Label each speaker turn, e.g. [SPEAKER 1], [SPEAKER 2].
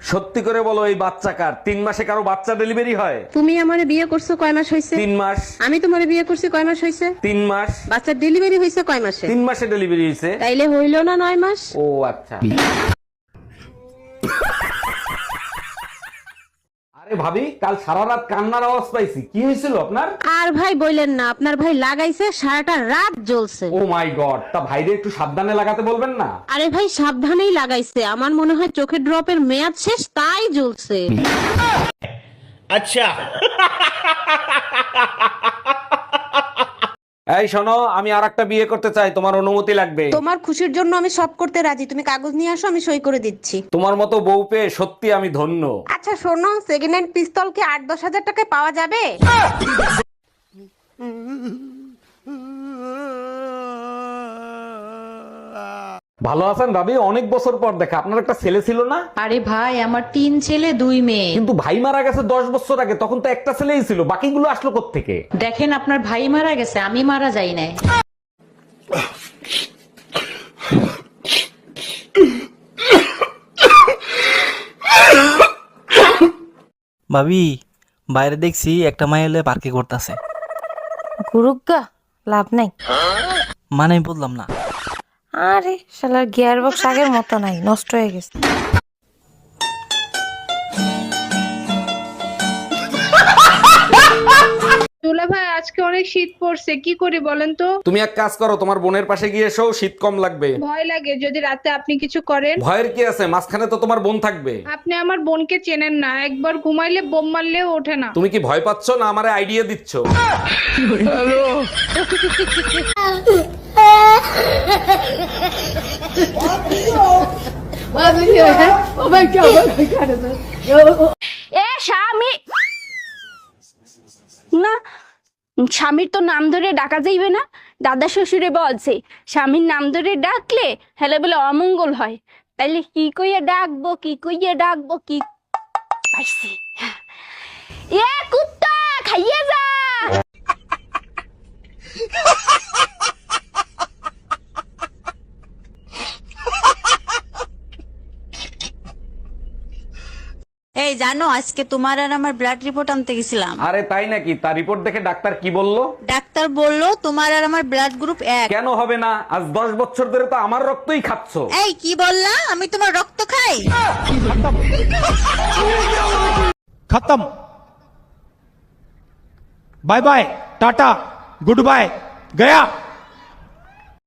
[SPEAKER 1] সত্যি করে বলো, এই বাচ্চা কার? 3 মাসে কারো বাচ্চা ডেলিভারি হয়?
[SPEAKER 2] তুমি আমারে বিয়ে করছো কয় মাস হইছে?
[SPEAKER 1] 3 মাস।
[SPEAKER 2] আমি তোমারে বিয়ে করছি কয় মাস হইছে?
[SPEAKER 1] 3 মাস।
[SPEAKER 2] বাচ্চার ডেলিভারি হইছে কয় মাসে?
[SPEAKER 1] 3 মাসে ডেলিভারি হয়েছে।
[SPEAKER 2] তাইলে হইল না 9 মাস?
[SPEAKER 1] ও আচ্ছা। আরে ভাবি, কাল সারা রাত কান্নার আওয়াজ পাইছি, কি হয়েছিল আপনার?
[SPEAKER 2] আর ভাই বললেন না, আপনার ভাই লাগাইছে সারাটা রাত জ্বলছে।
[SPEAKER 1] ও মাই গড, তা ভাইরে একটু সাবধানে লাগাতে বলবেন না?
[SPEAKER 2] আরে ভাই সাবধানেই লাগাইছে, আমার মনে হয় চোখের ড্রপের মেয়াদ শেষ তাই জ্বলছে।
[SPEAKER 3] আচ্ছা।
[SPEAKER 1] এই শোনো, আমি আরেকটা বিয়ে করতে চাই, তোমার অনুমতি লাগবে।
[SPEAKER 2] তোমার খুশির জন্য আমি সব করতে রাজি, তুমি কাগজ নিয়ে আসো, আমি সই করে দিচ্ছি।
[SPEAKER 1] তোমার মতো বউ পেয়ে সত্যি আমি ধন্য।
[SPEAKER 2] আচ্ছা শোনো, সেকেন্ড হ্যান্ড পিস্তল কি 8-10 হাজার টাকায় পাওয়া যাবে?
[SPEAKER 1] ভালো আছেন ভাবি? অনেক বছর পর দেখা। আপনার একটা ছেলে ছিল না?
[SPEAKER 4] আরে ভাই, আমার 3 ছেলে 2 মেয়ে।
[SPEAKER 1] কিন্তু ভাই মারা গেছে 10 বছর আগে, তখন তো একটা ছেলেই ছিল, বাকিগুলো আসলো কোত্থেকে?
[SPEAKER 4] দেখেন, আপনার ভাই মারা গেছে, আমি মারা যাই নাই।
[SPEAKER 5] ভাবি, বাইরে দেখছি একটা মাইল পার্কে করতেছে।
[SPEAKER 6] গুরুগা লাভ নাই।
[SPEAKER 5] মানে আমি বললাম না।
[SPEAKER 6] আরে শালার গিয়ার বক্স আগের মতো নাই, নষ্ট হয়ে গেছে।
[SPEAKER 7] দুলা ভাই, আজকে অনেক শীত পড়ছে, কি করি বলেন তো?
[SPEAKER 1] তুমি এক কাজ করো, তোমার বোনের পাশে গিয়ে এসো, শীত কম লাগবে।
[SPEAKER 7] ভয় লাগে যদি রাতে আপনি কিছু করেন।
[SPEAKER 1] ভয়ের কি আছে, মাঝখানে তো তোমার বোন থাকবে।
[SPEAKER 7] আপনি আমার বোনকে চেনেন না, একবার ঘুমাইলে বোম মারলেও ওঠে না।
[SPEAKER 1] তুমি কি ভয় পাচ্ছ না আমারে আইডিয়া দিচ্ছ?
[SPEAKER 8] এ স্বামী না, স্বামীর তো নাম ধরে ডাকা যাইবে না। দাদা শ্বশুরে বলছে স্বামীর নাম ধরে ডাকলে হেলে বলে অমঙ্গল হয়। তাইলে কি কইয়া ডাকবো, কি কইয়া ডাকবো, কি পাইছি। এ কুত্তা খাইয়ে যা।
[SPEAKER 9] এই জানো, আজকে তোমার আর আমার ব্লাড রিপোর্ট আনতে গেছিলাম।
[SPEAKER 1] আরে তাই নাকি? তার রিপোর্ট দেখে ডাক্তার কি বললো?
[SPEAKER 9] ডাক্তার বললো তোমার আর আমার ব্লাড গ্রুপ 1।
[SPEAKER 1] কেন হবে না? আজ 10 বছর ধরে তো আমার রক্তই খাচ্ছ।
[SPEAKER 9] এই কি বললা? আমি তোমার রক্ত খাই?
[SPEAKER 3] खत्म। Bye bye, tata, good bye, गया।